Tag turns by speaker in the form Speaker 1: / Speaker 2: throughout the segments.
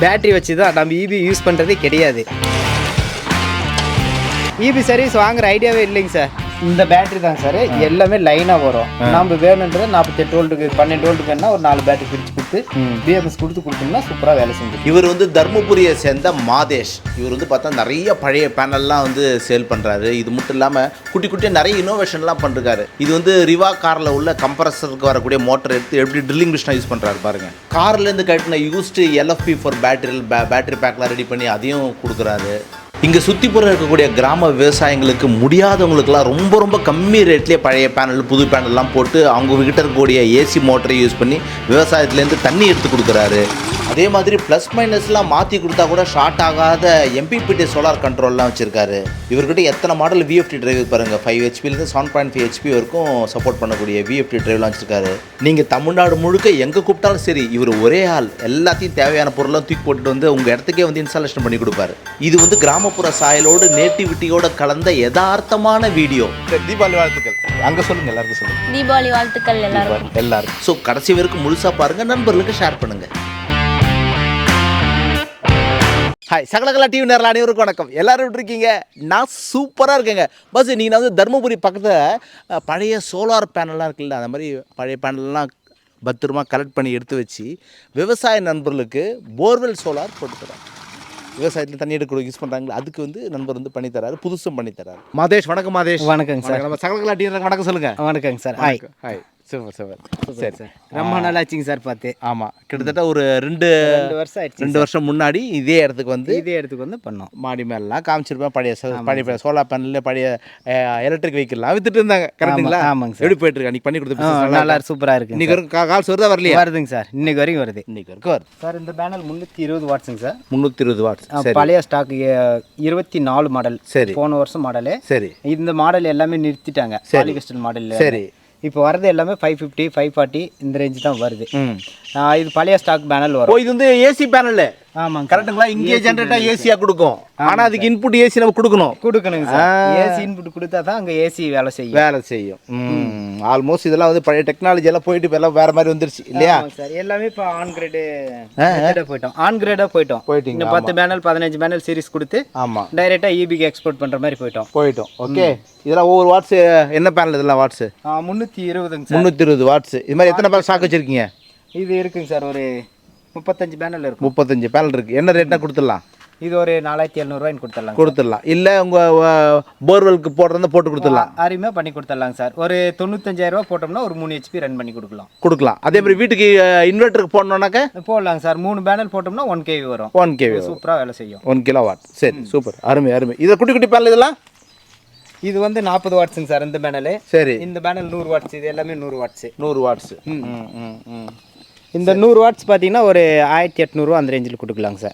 Speaker 1: Battery வச்சு தான் நம்ம இபி யூஸ் பண்ணுறதே கிடையாது. இபி சர்வீஸ் வாங்குற ஐடியாவே இல்லைங்க சார். இந்த பேட்ரி தான் சார் எல்லாமே லைனாக வரும். நம்ம வேணுன்றது 48 வோல்ட்டுக்கு 12 வோல்ட்டுக்கு வேணா ஒரு 4 பேட்டரி பிரித்து கொடுத்து பிஎம்எஸ் கொடுத்தோம்னா சூப்பராக வேலை செஞ்சு.
Speaker 2: இவர் வந்து தர்மபுரியை சேர்ந்த மாதேஷ். இவர் வந்து பார்த்தா நிறைய பழைய பேனல்லாம் வந்து சேல் பண்ணுறாரு. இது மட்டும் இல்லாமல் குட்டி குட்டியாக நிறைய இனோவேஷன்லாம் பண்ணிருக்காரு. இது வந்து ரிவா காரில் உள்ள கம்ப்ரஸருக்கு வரக்கூடிய மோட்டர் எடுத்து எப்படி ட்ரில்லிங் மிஷினாக யூஸ் பண்ணுறாரு பாருங்கள். கார்லேருந்து கட்டின யூஸ்டு எல்எஃப்பி ஃபார் பேட்டரி பேக்லாம் ரெடி பண்ணி அதையும் கொடுக்குறாரு. இங்கே சுற்றிப்புறம் இருக்கக்கூடிய கிராம விவசாயிங்களுக்கு முடியாதவங்களுக்குலாம் ரொம்ப ரொம்ப கம்மி ரேட்லேயே பழைய பேனல் புது பேனல்லாம் போட்டு அவங்கக்கிட்ட இருக்கக்கூடிய ஏசி மோட்டரை யூஸ் பண்ணி விவசாயத்துலேருந்து தண்ணி எடுத்து கொடுக்குறாரு. அதே மாதிரி ப்ளஸ் மைனஸ்லாம் மாற்றி கொடுத்தா கூட ஷார்ட் ஆகாத எம்பிபிடி சோலார் கண்ட்ரோல்லாம் வச்சுருக்காரு. இவர்கிட்ட எத்தனை மாடல் விஎஃப்டி டிரைவ் பாருங்கள். 5 ஹெச்பிலேருந்து 7.5 ஹெச்பி வரைக்கும் சப்போர்ட் பண்ணக்கூடிய விஎஃப்டி டிரைவ்லாம் வச்சுருக்காரு. நீங்கள் தமிழ்நாடு முழுக்க எங்கே கூப்பிட்டாலும் சரி இவர் ஒரே ஆள் எல்லாத்தையும் தேவையான பொருளாக தூக்கி போட்டுட்டு வந்து உங்கள் இடத்துக்கே வந்து இன்ஸ்டாலேஷன் பண்ணி கொடுப்பாரு. இது வந்து கிராமப்புற சாயலோடு நேட்டிவிட்டியோட கலந்த யதார்த்தமான வீடியோ. தீபாவளி வாழ்த்துக்கள் அங்கே சொல்லுங்கள், எல்லாருக்கும் சொல்லுங்கள்
Speaker 3: தீபாவளி வாழ்த்துக்கள் எல்லாரும்.
Speaker 2: ஸோ கடைசி வரைக்கும் முழுசாக பாருங்கள், நண்பர்களுக்கு ஷேர் பண்ணுங்கள். ஹாய் சகலகலா டிவி நேரில் அனைவருக்கும் வணக்கம். எல்லோரும் விட்டுருக்கீங்க, நான் சூப்பராக இருக்கேங்க. பஸ் நீங்கள் வந்து தர்மபுரி பக்கத்தில் பழைய சோலார் பேனல்லாம் இருக்குல்ல, அந்த மாதிரி பழைய பேனல்லாம் பத்திரமா கலெக்ட் பண்ணி எடுத்து வச்சு விவசாய நண்பர்களுக்கு போர்வெல் சோலார் போட்டு தராங்க. விவசாயத்தில் தண்ணி எடுக்க யூஸ் பண்ணுறாங்களா, அதுக்கு வந்து நண்பர் வந்து பண்ணித்தராரு, புதுசும் பண்ணித்தராரு. மாதேஷ் வணக்கம். மாதேஷ் வணக்கங்க சார். நம்ம சகலகலா டிவி வணக்கம் சொல்லுங்கள்.
Speaker 1: வணக்கங்க சார். Hi
Speaker 2: hi. சூப்பர் சரி
Speaker 1: சார். ரொம்ப நாள் ஆச்சுங்க சார் பார்த்து.
Speaker 2: ஆமாம், கிட்டத்தட்ட ஒரு 2 வருஷம் ஆயிடுச்சு. 2 வருஷம் முன்னாடி இதே இடத்துக்கு வந்து பண்ணோம். மாடி மேலாம் காமிச்சிருப்பேன். பழைய சோலார் பேனலில் பழைய எலக்ட்ரிக் வெஹிக்கிள்லாம் வித்துட்டு இருந்தாங்க. கரெக்டுங்களா?
Speaker 1: ஆமாங்க சார்.
Speaker 2: எப்படி போயிட்டு இருக்கா? நீ பண்ணி கொடுத்து
Speaker 1: நல்லா சூப்பராக இருக்குது.
Speaker 2: இன்னைக்கு வரைக்கும் கால்ஸ் வருதா வரலையா?
Speaker 1: வருதுங்க சார், இன்னைக்கு வரைக்கும் வருது.
Speaker 2: இன்னைக்கு வரைக்கும் வருது
Speaker 1: சார். இந்த பேனல் 320 வாட்ஸுங்க சார்.
Speaker 2: 320 வாட்ஸ்.
Speaker 1: பழைய ஸ்டாக் 24 மாடல்.
Speaker 2: சரி.
Speaker 1: போன வருஷம் மாடலு.
Speaker 2: சரி.
Speaker 1: இந்த மாடல் எல்லாமே நிறுத்திட்டாங்க. Polycrystal model.
Speaker 2: சரி.
Speaker 1: இப்போ வரது எல்லாமே 550 540 இந்த ரேஞ்சு தான் வருது. இது பழைய ஸ்டாக் பேனல் வரும்.
Speaker 2: இது வந்து ஏசி பேனல். ஆமாம், கரெக்டுங்களா? இங்கே ஜென்ரேட்டாக ஏசியாக கொடுக்கும். ஆனால் அதுக்கு இன்புட் ஏசி நம்ம கொடுக்கணுங்க
Speaker 1: சார். ஏசி இன்புட் கொடுத்தா தான் அங்கே ஏசி வேலை செய்யும்.
Speaker 2: ஆல்மோஸ்ட் இதெல்லாம் வந்து பழைய டெக்னாலஜி எல்லாம் போயிட்டு இப்போ எல்லாம் வேறு மாதிரி வந்துருச்சு இல்லையா
Speaker 1: சார்? எல்லாமே இப்போ ஆன் கிரேடாக போயிட்டோம்.
Speaker 2: போயிட்டீங்க.
Speaker 1: 10 பேனல் 15 பேனல் சீரிஸ் கொடுத்து
Speaker 2: ஆமாம்
Speaker 1: டைரெக்டாக இபிக்கு எக்ஸ்போர்ட் பண்ணுற மாதிரி போயிட்டோம்.
Speaker 2: ஓகே. இதெல்லாம் ஒவ்வொரு வாட்ஸ் என்ன பேனல்? இதெல்லாம் வாட்ஸ் 320 வாட்ஸ். இது மாதிரி எத்தனை பேனல் ஸ்டாக் வச்சுருக்கீங்க?
Speaker 1: இது இருக்குங்க சார், ஒரு 35 பேனல் இருக்கும்.
Speaker 2: 35 பேனல் இருக்குது. என்ன ரேட்னா கொடுத்துடலாம்?
Speaker 1: இது ஒரு 4700
Speaker 2: கொடுத்துடலாம். இல்லை உங்கள் போர்வெலுக்கு போட்டு கொடுத்துடலாம்.
Speaker 1: அருமையாக பண்ணி கொடுத்துடலாங்க சார். ஒரு 95,000 போட்டோம்னா ஒரு 3 ஹெச்பி ரன் பண்ணி கொடுக்கலாம்.
Speaker 2: அதே மாதிரி வீட்டுக்கு இன்வெர்ட்டருக்கு போடணுன்னாக்க
Speaker 1: போடலாங்க சார். 3 பேனல் போட்டோம்னா 1 kV வரும்.
Speaker 2: 1 kV
Speaker 1: சூப்பராக வேலை செய்யும்.
Speaker 2: 1 கிலோவாட். சரி, சூப்பர், அருமை. இதை குட்டி பேனல் இதெல்லாம்
Speaker 1: இது வந்து 40 வாட்ஸுங்க சார் இந்த பேனல்.
Speaker 2: சரி.
Speaker 1: இந்த பேனல் 100 வாட்ஸ். இது எல்லாமே 100 வாட்ஸ்.
Speaker 2: 100 வாட்ஸ்.
Speaker 1: இந்த 100 வாட்ஸ் பார்த்தீங்கன்னா ஒரு 1800 அந்த ரேஞ்சில் கொடுக்கலாங்க சார்.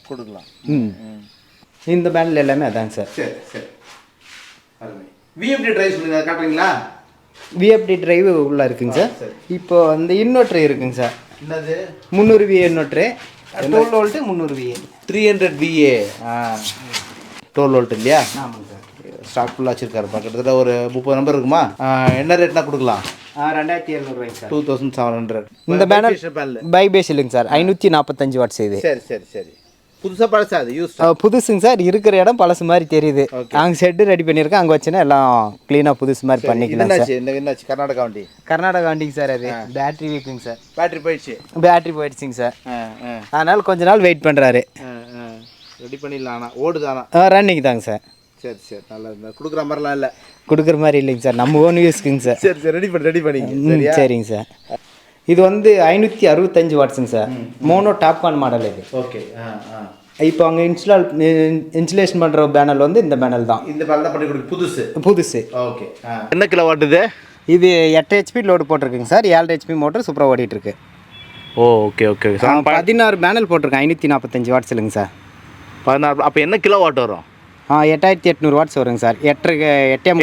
Speaker 1: இந்த பேனல் எல்லாமே அதாங்க சார்.
Speaker 2: சரி. விஎஃப்டி டிரைவ் சொல்லுங்க, காட்டுறீங்களா?
Speaker 1: விஎஃப்டி டிரைவ் உள்ள இருக்குங்க சார். இப்போ அந்த இன்வெர்டர் இருக்குங்க சார்.
Speaker 2: என்னது?
Speaker 1: 300 VA inverter. 12 volt 300 VA
Speaker 2: 300 VA 12 volt இல்லையா?
Speaker 1: ஆமாங்க சார்.
Speaker 2: ஸ்டாக் ஃபுல்லாக வச்சுருக்காருப்பா. கிட்டத்தட்ட ஒரு 30 நம்பர் இருக்குமா? என்ன ரேட்னா கொடுக்கலாம்?
Speaker 1: 2700 சார்.
Speaker 2: 2700.
Speaker 1: இந்த பேனல் பை பேஸ் இல்லைங்க சார். 545 வாட்ஸ் இது.
Speaker 2: சரி. புதுசாக பழசா? அது யூஸ்
Speaker 1: புதுசுங்க சார். இருக்கிற இடம் பழசு மாதிரி தெரியுது. அங்கே ஷெட்டு ரெடி பண்ணியிருக்கேன். அங்கே வச்சுன்னா எல்லாம் க்ளீனாக புதுசு மாதிரி பண்ணிக்கலாம் சார்.
Speaker 2: என்னாச்சு? கர்நாடகா வண்டி
Speaker 1: சார். அது பேட்டரி வீக்குங்க சார்.
Speaker 2: பேட்டரி
Speaker 1: போயிடுச்சுங்க சார். அதனால் கொஞ்ச நாள் வெயிட் பண்ணுறாரு.
Speaker 2: ரெடி பண்ணிடலாம். ஆனால் ஓடுதானா?
Speaker 1: ரன்னிங் தாங்க சார்.
Speaker 2: சரி. நல்லா இருந்தா கொடுக்குற மாதிரிலாம் இல்லை.
Speaker 1: கொடுக்குற மாதிரி இல்லைங்க சார், நம்ம ஓன் யூஸ்க்குங்க சார்.
Speaker 2: சரி. ரெடி பண்ணி
Speaker 1: சரிங்க சார். இது வந்து 565 வாட்ஸுங்க சார். மோனோ டாப்கான் மாடல் இது.
Speaker 2: ஓகே.
Speaker 1: இப்போ அங்கே இன்ஸ்டலேஷன் பண்ணுற பேனல் வந்து இந்த பேனல் தான்.
Speaker 2: இந்த பேனல் தான் பண்ணி கொடுக்கு
Speaker 1: புதுசு.
Speaker 2: ஓகே. என்ன கிலோ வாட் இது?
Speaker 1: இது 8 HP லோடு போட்டிருக்குங்க சார். 7 HP மோட்டர் சூப்பராக ஓடிட்டுருக்கு.
Speaker 2: ஓகே.
Speaker 1: 16 பேனல் போட்டிருக்கேன். 545 வாட்ஸ் இல்லைங்க சார்.
Speaker 2: 16. அப்போ என்ன கிலோ வாட் வரும்?
Speaker 1: 8800 வாட்ஸ் வருங்க sir.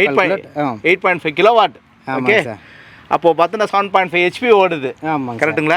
Speaker 2: 8.5 kilo watt. Okay sir. அப்போது பார்த்தீங்கன்னா 7.5 HP ஓடுது.
Speaker 1: ஆமாங்க.
Speaker 2: கரெக்டுங்களா?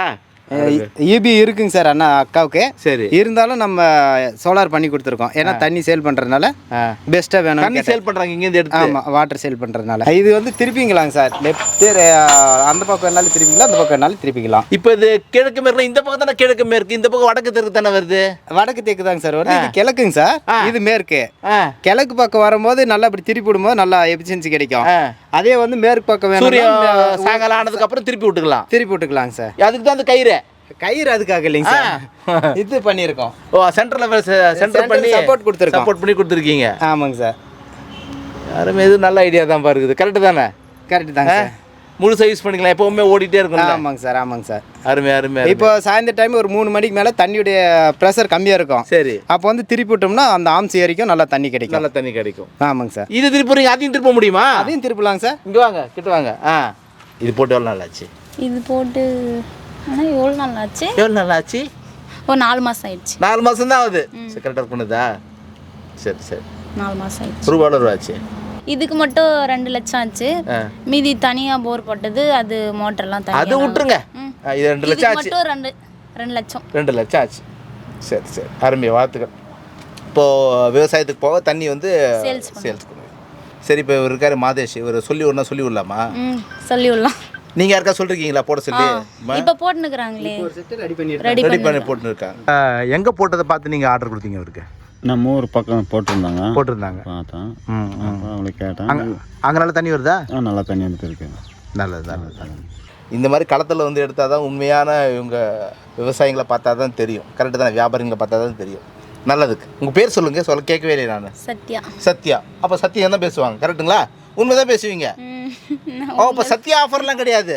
Speaker 1: இபி இருக்குங்க சார் அண்ணா அக்காவுக்கு.
Speaker 2: சரி.
Speaker 1: இருந்தாலும் நம்ம சோலார் பண்ணி கொடுத்துருக்கோம். ஏன்னா தண்ணி சேல் பண்ணுறதுனால பெஸ்ட்டாக வேணும்.
Speaker 2: தண்ணி சேல் பண்ணுறாங்க இங்கேருந்து எடுத்து.
Speaker 1: ஆமாம், வாட்டர் சேல் பண்ணுறதுனால இது வந்து திருப்பிங்களாங்க சார். லெஃப்ட் அந்த பக்கம் என்னாலும் திருப்பிக்கலாம், அந்த பக்கம் என்னாலும் திருப்பிக்கலாம்.
Speaker 2: இப்போ இது கிழக்கு மேற்கு, இந்த பக்கம் தானே கிழக்கு மேற்கு, இந்த பக்கம் வடக்கு தெற்கு தானே வருது.
Speaker 1: வடக்கு தெற்கு தாங்க சார் வருது. இது கிழக்குங்க சார், இது மேற்கு.
Speaker 2: ஆ
Speaker 1: கிழக்கு பக்கம் வரும்போது நல்லா இப்படி திருப்பி விடும்போது நல்லா எஃபிஷியன்சி கிடைக்கும்.
Speaker 2: ஆ.
Speaker 1: அதே வந்து மேற்கு பக்கம்
Speaker 2: சூரியன்
Speaker 1: வேணும்
Speaker 2: சாயங்காலம் ஆனதுக்கு அப்புறம் திருப்பி விட்டுக்கலாம்.
Speaker 1: திருப்பி விட்டுக்கலாங்க சார்.
Speaker 2: அதுக்கு தான் அந்த கயிறு
Speaker 1: கயிறு அதுக்காக இல்லைங்க சார், இது பண்ணியிருக்கோம்.
Speaker 2: ஓ சென்டர் பண்ணி
Speaker 1: சப்போர்ட் கொடுத்துருக்கோம்.
Speaker 2: சப்போர்ட் பண்ணி கொடுத்துருக்கீங்க.
Speaker 1: ஆமாங்க சார்.
Speaker 2: யாருமே இது நல்ல ஐடியா தான் பாருக்குது. கரெக்டு தானே?
Speaker 1: கரெக்டு தாங்க சார்.
Speaker 2: முழுசாக யூஸ் பண்ணிக்கலாம், எப்பவுமே ஓடிட்டே இருக்கும்.
Speaker 1: ஆமாங்க சார், ஆமாங்க சார்.
Speaker 2: அருமை அருமை.
Speaker 1: இப்போ சாயந்தர டைம் ஒரு 3 மணிக்கு மேலே தண்ணியுடைய ப்ரெஷர் கம்மியாக இருக்கும்.
Speaker 2: சரி.
Speaker 1: அப்போ வந்து திருப்பி விட்டோம்னா அந்த ஆம்ஸ் ஏரிக்கும் நல்லா தண்ணி கிடைக்கும்.
Speaker 2: நல்ல தண்ணி கிடைக்கும்.
Speaker 1: ஆமாங்க சார்.
Speaker 2: இது திருப்பி அதையும் திருப்ப முடியுமா?
Speaker 1: அதையும் திருப்பலாங்க சார்.
Speaker 2: இங்கே வாங்க, கிட்ட வாங்க. இது போட்டு எவ்வளோ நாள் ஆச்சு?
Speaker 3: இது போட்டு ஆனால் எவ்வளோ நாள் ஆச்சு?
Speaker 2: எவ்வளோ நாள் ஆச்சு?
Speaker 3: ஒரு 4 மாதம் ஆயிடுச்சு.
Speaker 2: 4 மாதம் தான் ஆகுது. சரி, கரெக்டாக பண்ணுதா? சரி சரி.
Speaker 3: 4 மாதம் ஆயிடுச்சு.
Speaker 2: ரூபா எவ்வளோ ஆச்சு?
Speaker 3: இதுக்கு மட்டும் 2 லட்சம் ஆச்சு. மீதி தனியாக போர் போட்டது, அது மோட்டர்லாம்
Speaker 2: அது
Speaker 3: தனியாக
Speaker 2: விட்டுருங்க. இது 2 லட்சம் ஆச்சு.
Speaker 3: மட்டும் 2 லட்சம்.
Speaker 2: 2 லட்சம் ஆச்சு. சரி சரி, அருமையா, வாழ்த்துக்கள். இப்போது விவசாயத்துக்கு போக தண்ணி வந்து
Speaker 3: சேல்ஸ்
Speaker 2: பண்ணுங்க. சரி, இப்போ இவர் இருக்காரு மாதேஷ், இவர் சொல்லி விடலாமா?
Speaker 3: சொல்லி விடலாம்.
Speaker 2: நீங்கள் யாருக்கா சொல்லிருக்கீங்களா போட சொல்லி?
Speaker 3: இப்போ போட்டுனுக்குறாங்களே,
Speaker 2: ரெடி பண்ணி போட்டுன்னு இருக்காங்க. எங்கே போட்டதை பார்த்து நீங்கள் ஆர்டர் கொடுத்தீங்க அவருக்கு?
Speaker 4: நம்ம ஊர் பக்கம் போட்டிருந்தாங்க
Speaker 2: பார்த்தேன்.
Speaker 4: அவங்களுக்கு கேட்டேன்.
Speaker 2: அங்கே நல்லா தண்ணி வருதா?
Speaker 4: நல்லா தண்ணி வந்துட்டு இருக்கு.
Speaker 2: நல்லது. இந்த மாதிரி களத்தில் வந்து எடுத்தால் தான் உண்மையான இவங்க விவசாயிகளை பார்த்தா தான் தெரியும். கரெக்டு தானே? வியாபாரிகளை பார்த்தா தான் தெரியும். நல்லதுக்கு. உங்கள் பேர் சொல்லுங்கள். கேட்கவே இல்லை நான். சத்யா. அப்போ சத்யா தான் பேசுவாங்க, கரெக்டுங்களா? உண்மை தான் பேசுவீங்க. இப்போ சத்யா ஆஃபர்லாம் கிடையாது.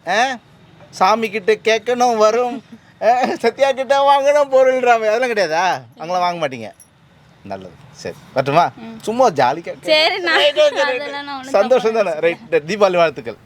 Speaker 2: சாமி கிட்ட கேட்கணும் வரும், சத்யா கிட்ட வாங்கணும் பொருள்றாம, அதெல்லாம் கிடையாதா? அவங்களாம் வாங்க மாட்டீங்க. நல்லது. சரி, வரட்டுமா? சும்மா ஜாலி சந்தோஷம் தானே? ரைட். தீபாவளி வாழ்த்துக்கள்.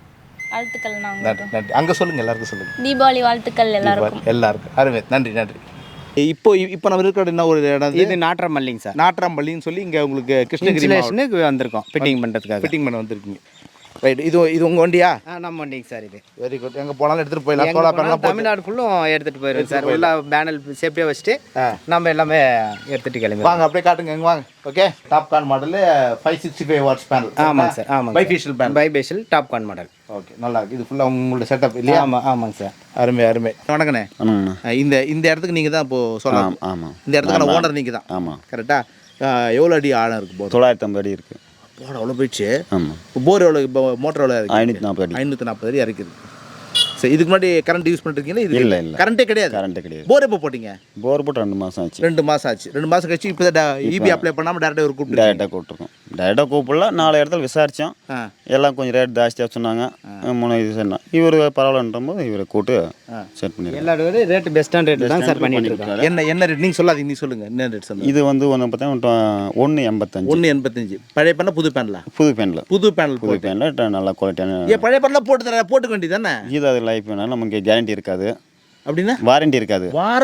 Speaker 2: நன்றி. அங்கே சொல்லுங்கள், எல்லாருக்கும் சொல்லுங்கள்.
Speaker 3: தீபாவளி வாழ்த்துக்கள்
Speaker 2: எல்லாருக்கும். அருமை, நன்றி. இப்போ நம்ம இருக்கிற என்ன ஒரு இடம்?
Speaker 1: இது நாட்ராம்பள்ளிங்க சார்.
Speaker 2: நாட்ராம்பள்ளின்னு சொல்லி இங்கே உங்களுக்கு கிருஷ்ணகிரி
Speaker 1: வந்திருக்கோம். ஃபிட்டிங் பண்ணுறதுக்காக.
Speaker 2: ஃபிட்டிங் பண்ண வந்திருக்கீங்க. ரைட். இது உங்கள் வண்டியா?
Speaker 1: நம்ம வண்டிங்க சார். இது
Speaker 2: வெரி குட். எங்கே போனாலும் எடுத்துகிட்டு போயிடலாம். சோலார் பேனல்
Speaker 1: தமிழ்நாடு ஃபுல்லும் எடுத்துகிட்டு போயிடுங்க சார். உள்ள பேனல் சேஃப்டியாக வச்சுட்டு நம்ம எல்லாமே எடுத்துகிட்டு கிளம்பி
Speaker 2: வாங்க. அப்படியே காட்டுங்க, எங்கே வாங்க. Okay. Topcon model 565 watts panel.
Speaker 1: ஆமாங்க சார். ஆமாங்க.
Speaker 2: Bifacial panel.
Speaker 1: Bifacial Topcon model.
Speaker 2: Okay, நல்லா இருக்குது. இது ஃபுல்லாக உங்களோட செட்டப் இல்லையா?
Speaker 1: ஆமாங்க சார்.
Speaker 2: அருமை. வணக்கண்ணே. இந்த இடத்துக்கு நீங்கள் தான் இப்போது சொல்லலாம்.
Speaker 4: ஆமாம்.
Speaker 2: இந்த இடத்துக்கான ஓனர் நீங்கள் தான்.
Speaker 4: ஆமாம்.
Speaker 2: கரெக்டாக எவ்வளோ அடி ஆழம் இருக்குது? போர்
Speaker 4: 950 அடி இருக்குது.
Speaker 2: போட அவ்வளோ போயிடுச்சு.
Speaker 4: ஆமாம்.
Speaker 2: போர் எவ்வளோ? இப்போ மோட்டர் எவ்வளோ இருக்குது?
Speaker 4: 540
Speaker 2: அடி இறக்குது. சரி, இதுக்கு முன்னாடி கரண்ட் யூஸ் பண்ணிருக்கீங்களா? இது
Speaker 4: இல்லை.
Speaker 2: கரண்ட்டே கிடையாது. போர் எப்போ போட்டிங்க?
Speaker 4: போர் போட்டு 2 மாதம் ஆச்சு.
Speaker 2: 2 மாதம் ஆச்சு. 2 மாதம் கழிச்சு இப்போ இபி அப்ளை பண்ணாமல் டேரெக்டாக கூப்பிட்டுருக்கோம்.
Speaker 4: டேரெக்டாக கூப்பிடல. 4 இடத்துல விசாரித்தோம். எல்லாம் கொஞ்சம் ரேட் ஜாஸ்தியாக சொன்னாங்க. 3 இது சொன்னோம். இவர் பரவாயில்லன்ற போது இவரை கூட்டு செட் பண்ணிடுறோம்.
Speaker 1: எல்லா ரேட்டு பெஸ்ட்டான ரேட்டு தான் சார் பண்ணிட்டு இருக்கோம்.
Speaker 2: என்ன ரேட் நீங்கள் சொல்லாதீங்க, நீங்கள் சொல்லுங்கள். என்ன ரேட் சொல்லுங்கள்?
Speaker 4: இது வந்து ஒன்று பார்த்தா 185.
Speaker 2: 185. பழைய பேனல் புது பேனலா?
Speaker 4: புது பேனல்.
Speaker 2: புது பேனல்
Speaker 4: நல்ல குவாலிட்டியான.
Speaker 2: பழைய பேனல் போட்டுக்க வேண்டியது தானே?
Speaker 4: இது அது லைஃப் வேணாலும் நமக்கு கேரண்டி இருக்காது.
Speaker 2: அப்படின்னா
Speaker 4: வாரண்டி இருக்காது.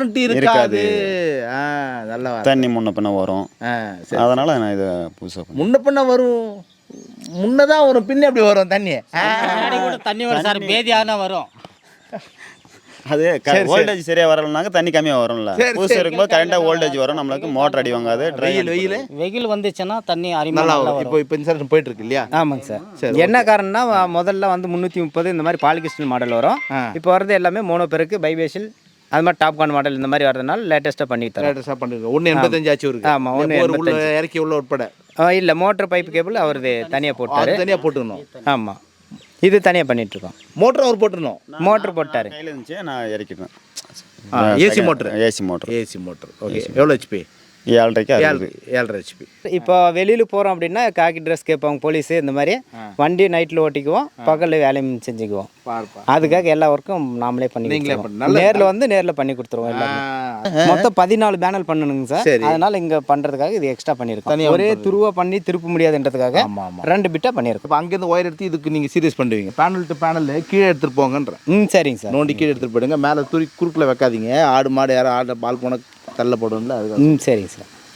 Speaker 2: நல்லா
Speaker 4: தண்ணி முன்ன பின்ன வரும். அதனால நான் இதை புதுசாக
Speaker 2: முன்ன பின்ன வரும். முன்னதான் வரும், பின்ன எப்படி வரும் தண்ணி?
Speaker 1: தண்ணி வரும் சார், பேதியாக வரும்.
Speaker 4: அது வோல்டேஜ் சரியாக வரலனாக்க தண்ணி கம்மியாக வரும்ல. புதுசு இருக்கும்போது கரெக்டாக வோல்டேஜ் வரும். நம்மளுக்கு மோட்டர் அடி வாங்காது.
Speaker 1: வெயில் வந்துச்சுன்னா தண்ணி
Speaker 2: நல்லா வரும். இப்போ இன்சூரன்ஸ் போயிட்டு இருக்கு இல்லையா?
Speaker 1: ஆமாங்க சார். சரி, என்ன காரணம்னா முதல்ல வந்து 330 இந்த மாதிரி பாலிகிறிஸ்டல் மாடல் வரும். இப்போ வரது எல்லாமே மோனோ பெருக்கு, பைபேஷியல், அது மாதிரி டாப்கான் மாடல் இந்த மாதிரி வரதுனால லேட்டஸ்ட்டாக பண்ணிட்டு
Speaker 2: 185 ஆச்சு இருக்கு.
Speaker 1: ஆமாம், 1
Speaker 2: இறக்கி உள்ள உட்பட
Speaker 1: இல்லை. மோட்டர் பைப் கேபிள் அவரது தனியாக
Speaker 2: போட்டுக்கணும்.
Speaker 1: ஆமாம், இது தனியாக பண்ணிட்டு இருக்கோம்.
Speaker 2: மோட்டர் அவர் போட்டுருணும்.
Speaker 1: மோட்டர் போட்டார்.
Speaker 4: கையில் இருந்துச்சு, நான் இறக்கிட்டேன்.
Speaker 2: AC motor. ஓகே. எவ்வளோ ஹெச்பி? 7.5 ஹெச்பி.
Speaker 1: இப்போ வெளியில் போகிறோம் அப்படின்னா காக்கி ட்ரெஸ் கேட்பாங்க போலீஸு. இந்த மாதிரி வண்டி நைட்டில் ஓட்டிக்குவோம், பகலில் வேலையும் செஞ்சுக்குவோம். அதுக்காக எல்லா ஒர்க்கும் நாமளே பண்ணி நேரில் பண்ணி கொடுத்துருவோம். எல்லாமே மொத்தம் 14 பேனல் பண்ணணுங்க சார். அதனால இங்கே பண்ணுறதுக்காக இது எக்ஸ்ட்ரா பண்ணியிருக்கோம். ஒரே துருவா பண்ணி திருப்ப முடியாதுன்றதுக்காக 2 பிட்டாக பண்ணியிருக்கோம்.
Speaker 2: இப்போ அங்கேருந்து ஒயர் எடுத்து இதுக்கு நீங்கள் சீரியஸ் பண்ணுவீங்க. பேனல் டு பேனல் கீழே எடுத்துகிட்டு போங்கன்ற.
Speaker 1: சரிங்க சார்.
Speaker 2: நோண்டி கீழே எடுத்துகிட்டு போயிடுங்க. மேலே குறுக்கில் வைக்காதீங்க. ஆடு மாடு யாரும் பால் போன தள்ள போடுவோம்ல, அது.
Speaker 1: சரிங்க சார்.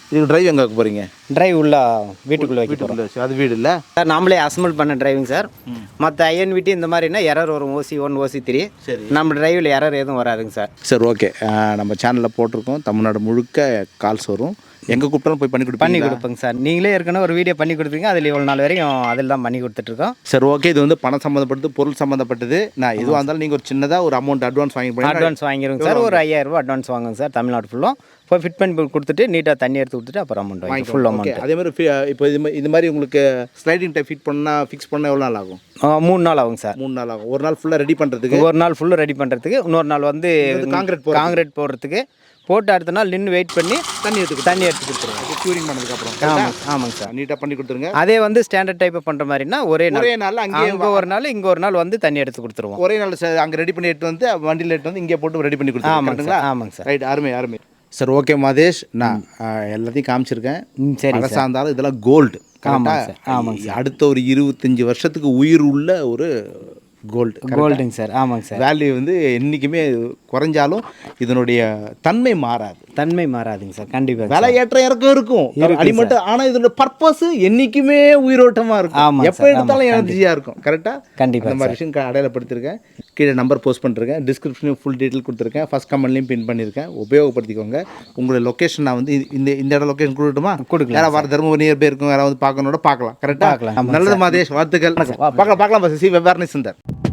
Speaker 2: இதுக்கு டிரைவ் எங்கே வைக்க போகிறீங்க?
Speaker 1: டிரைவ் உள்ள வீட்டுக்குள்ளே வைக்க போகிறோம்
Speaker 2: வீட்டுக்குள்ள அது வீடு இல்லை
Speaker 1: சார். நாமளே அசம்பிள் பண்ண டிரைவிங் சார். மற்ற INVT இந்த மாதிரினா எரர் வரும், OC1 OC3.
Speaker 2: சரி.
Speaker 1: நம்ம டிரைவில் எரர் எதுவும் வராதுங்க சார்.
Speaker 2: சரி, ஓகே. நம்ம சேனலில் போட்டிருக்கோம், தமிழ்நாடு முழுக்க கால்ஸ் வரும். எங்கே கூப்பிட்டாலும் போய் பண்ணி
Speaker 1: கொடுப்பேங்க சார். நீங்களே ஏற்கனவே ஒரு வீடியோ பண்ணி கொடுத்தீங்க, அதில் இவ்வளோ நாள் வரையும் அதில் தான் பண்ணி கொடுத்துட்ருக்கோம்.
Speaker 2: சரி, ஓகே. இது வந்து பணம் சம்மந்தப்பட்டது, பொருள் சம்மந்தப்பட்டது. நான் எதுவாக இருந்தாலும் நீங்கள் ஒரு சின்னதாக ஒரு அமௌண்ட் அட்வான்ஸ்
Speaker 1: வாங்கிடுங்க சார். ஒரு 5000 ரூபா அட்வான்ஸ் வாங்குங்க சார். தமிழ்நாடு ஃபுல்லும் போய் ஃபிட் பண்ணி கொடுத்துட்டு நீட்டாக தண்ணி எடுத்து கொடுத்துட்டு அப்புறம் அமௌண்ட் வாங்கி ஃபுல் அமௌண்ட்.
Speaker 2: அதே மாதிரி இப்போ இது மாதிரி உங்களுக்கு ஸ்லைடிங் டைப் ஃபிக்ஸ் பண்ணால் எவ்வளோ நாள் ஆகும்?
Speaker 1: 3 நாள் ஆகும் சார்.
Speaker 2: 3 நாள் ஆகும். ஒரு நாள் ஃபுல்லாக ரெடி பண்ணுறதுக்கு,
Speaker 1: ஒரு நாள் ஃபுல்லாக ரெடி பண்ணுறதுக்கு, இன்னொரு நாள் வந்து காங்கிரீட் போடுறதுக்கு போட்டு அடுத்த நாள் நின்று வெயிட் பண்ணி தண்ணி எடுத்து கொடுத்துருவோம்.
Speaker 2: க்யூரிங் பண்ணதுக்கப்புறம்.
Speaker 1: ஆமாங்க சார்.
Speaker 2: நீட்டாக பண்ணி கொடுத்துருங்க.
Speaker 1: அதே வந்து ஸ்டாண்டர்ட் டைப் பண்ணுற மாதிரினா ஒரே நாள்
Speaker 2: அங்கே
Speaker 1: ஒரு நாள் இங்கே ஒரு நாள் வந்து தண்ணி எடுத்து கொடுத்துருவோம்.
Speaker 2: ஒரே நாள் அங்கே ரெடி பண்ணி எடுத்து வந்து வண்டியில் எடுத்து வந்து இங்கே போட்டு ரெடி பண்ணி கொடுத்துருவோம்.
Speaker 1: ஆமாங்க சார்.
Speaker 2: ரைட், அருமை. Sir, okay Madhesh. நான் எல்லாத்தையும் காமிச்சிருக்கேன்.
Speaker 1: சரி
Speaker 2: அரசா இருந்தாலும் இதெல்லாம் கோல்டு.
Speaker 1: ஆமாங்க சார்.
Speaker 2: அடுத்த ஒரு 25 வருஷத்துக்கு உயிர் உள்ள ஒரு
Speaker 1: கோல்டுங்க சார். ஆமாங்க சார்.
Speaker 2: வேல்யூ வந்து என்றைக்குமே குறைஞ்சாலும் இதனுடைய தன்மை மாறாதுங்க சார். கண்டிப்பாக விலை ஏற்ற இறக்கம் இருக்கும் அடிமட்டும். ஆனால் இதோட பர்பஸ் என்றைக்குமே உயிரோட்டமாக இருக்கும். எப்போ எடுத்தாலும் எனர்ஜியாக இருக்கும். கரெக்டாக?
Speaker 1: கண்டிப்பாக
Speaker 2: இந்த மாதிரி விஷயம் அடையாளப்படுத்திருக்கேன். கீழே நம்பர் போஸ்ட் பண்ணிருக்கேன், டிஸ்கிரிப்ஷனையும் ஃபுல் டீட்டெயில் கொடுத்துருக்கேன், ஃபஸ்ட் கமெண்ட்லையும் பின் பண்ணியிருக்கேன். உபயோகப்படுத்திக்கோங்க. உங்களுடைய லொக்கேஷன் நான் வந்து இந்த இடம் லொக்கேஷன் கொடுக்கட்டுமா? கொடுக்கலாம். யாராவது வர தர்மபுரி நியர் பை இருக்கும், யாராவது பார்க்கணும் பார்க்கலாம். கரெக்டாக? நல்லது மாதேஷ், வாழ்த்துக்கள். பார்க்கலாம். சி வெவ்வேறு சுந்தர்.